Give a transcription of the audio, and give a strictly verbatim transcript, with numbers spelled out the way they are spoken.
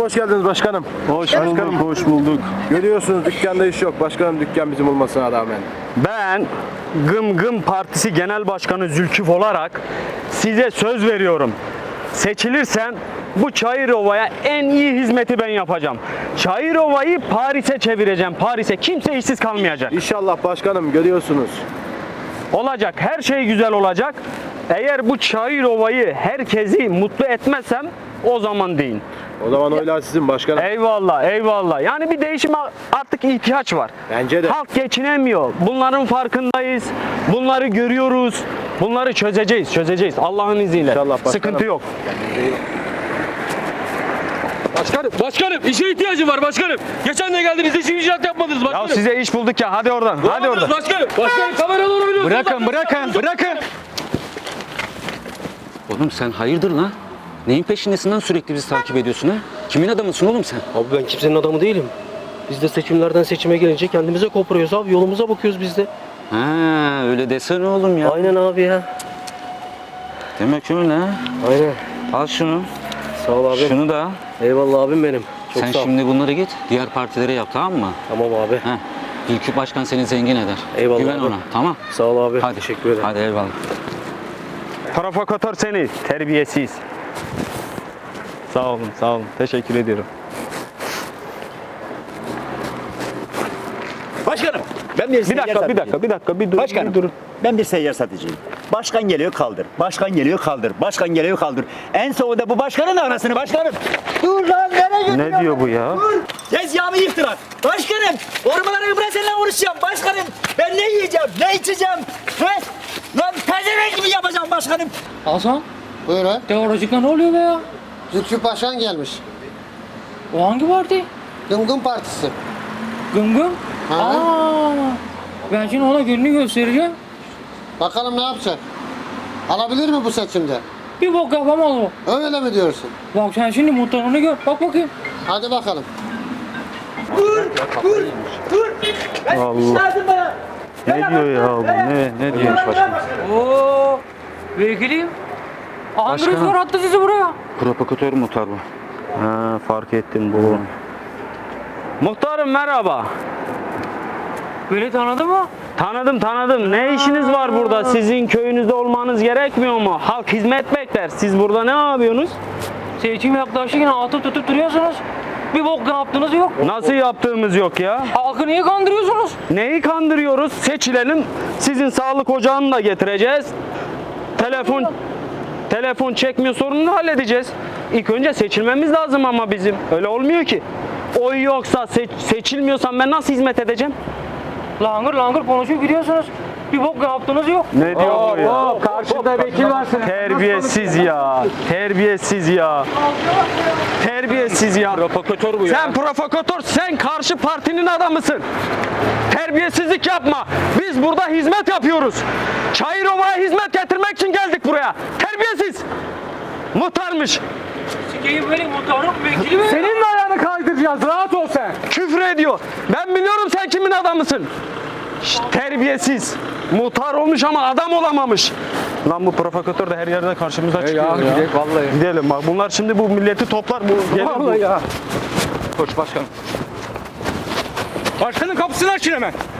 hoş geldiniz başkanım. Hoş bulduk, hoş bulduk. Görüyorsunuz dükkanda iş yok. Başkanım dükkan bizim olmasına rağmen. Ben Gım Gım Partisi Genel Başkanı Zülküf olarak size söz veriyorum. Seçilirsem bu Çayırova'ya en iyi hizmeti ben yapacağım. Çayırova'yı Paris'e çevireceğim. Paris'e kimse işsiz kalmayacak. İnşallah başkanım, görüyorsunuz. Olacak, her şey güzel olacak. Eğer bu Çayırova'yı herkesi mutlu etmezsem o zaman deyin. O zaman oylar sizin başkanım. Eyvallah, eyvallah. Yani bir değişime artık ihtiyaç var. Bence de. Halk geçinemiyor. Bunların farkındayız. Bunları görüyoruz. Bunları çözeceğiz, çözeceğiz. Allah'ın izniyle. İnşallah başkanım. Sıkıntı yok. Başkanım, başkanım işe ihtiyacım var başkanım. Geçen de geldiniz, hiç icraat yapmadınız başkanım. Ya size iş bulduk ya. Hadi oradan. Hadi oradan. Başkanım, başkanım kameraları biliyorsunuz. Bırakın, bırakın, bırakın. Oğlum sen hayırdır lan? Neyin peşindesin lan, sürekli bizi takip ediyorsun ha? Kimin adamısın oğlum sen? Abi ben kimsenin adamı değilim. Biz de seçimlerden seçime gelince kendimize koparıyoruz abi. Yolumuza bakıyoruz biz de. Ha öyle desene oğlum ya. Aynen abi ya. Demek öyle ha. Aynen. Al şunu. Sağ ol abi. Şunu da al. Eyvallah abim benim. Çok Sen sağ ol. şimdi bunları git diğer partilere yap, tamam mı? Tamam abi. Ha. Ülkü Başkan seni zengin eder. Eyvallah Güven abi. ona, tamam? Sağ ol abi. Hadi. Teşekkür ederim. Hadi eyvallah. Provokatör seni, terbiyesiz. Sağ olun, sağ olun. Teşekkür ediyorum. Başkanım, ben bir, Bir dakika, bir dakika, bir dakika, bir dur, Başkanım, bir durun. ben bir seyyar satıcıyım. Başkan geliyor kaldır, başkan geliyor kaldır, başkan geliyor kaldır. En sonunda bu başkanın arasını başkanım. Dur lan, nereye gidiyorsun? Ne diyor bu ya? Dur, tezgahımı yıktılar. Başkanım, ormaları bırak seninle uğraşacağım başkanım. Ben ne yiyeceğim, ne içeceğim? He? Lan pezevenk gibi yapacağım başkanım. Hasan, Buyur ha. teoricikle ne oluyor be ya? Zülkü Başkan gelmiş. O hangi parti? Gımgım Partisi. Gım gım? Ha. Aa, ben şimdi ona gününü göstereceğim. Bakalım ne yapacak? Alabilir mi bu seçimde? Bir bok yapamaz o. Öyle mi diyorsun? Bak sen şimdi muhtarını gör. Bak bakayım. Hadi bakalım. Allah. Ne diyor ya bu? Ne, ne diyor başkanım? Oo, vekilim. Andres Başkanım. var attı sizi buraya. Provokatör muhtar bu. Ha, fark ettim bu. Muhtarım merhaba. Beni tanıdı mı? Tanıdım tanıdım. Ne işiniz var burada? Sizin köyünüzde olmanız gerekmiyor mu? Halk hizmet bekler. Siz burada ne yapıyorsunuz? Seçim yaklaşırken atıp tutup duruyorsunuz. Bir bok yaptığınız yok. Nasıl yaptığımız yok ya? Halkı niye kandırıyorsunuz? Neyi kandırıyoruz? Seçilelim. Sizin sağlık ocağını da getireceğiz. Telefon telefon çekmiyor sorununu halledeceğiz. İlk önce seçilmemiz lazım ama bizim. Öyle olmuyor ki. Oy yoksa seç, seçilmiyorsam ben nasıl hizmet edeceğim? Langır langır konuşup gidiyorsunuz. Bir bok yaptığınız yok. Ne diyor bu ya? Karşıda vekil var. Terbiyesiz ya. Terbiyesiz ya. Terbiyesiz ya. Provokatör bu ya. Sen provokatör, sen karşı partinin adamısın. Terbiyesizlik yapma. Biz burada hizmet yapıyoruz. Çayırova'ya hizmet getirmek için geldik buraya. Terbiyesiz. Muhtarmış. Sikeyim benim muhtarım vekili mi? Senin de ayağını kaydıracağız. Rahat ol sen. Küfür ediyor. Ben biliyorum sen kimin adamısın. Şşt, terbiyesiz. Muhtar olmuş ama adam olamamış. Lan bu provokatör de her yerde karşımıza çıkıyor ya. Gidelim vallahi. Gidelim bak bunlar şimdi bu milleti toplar. Bu gelir bu. Vallahi ya. Koç başkanım. Başkanın kapısını açın hemen.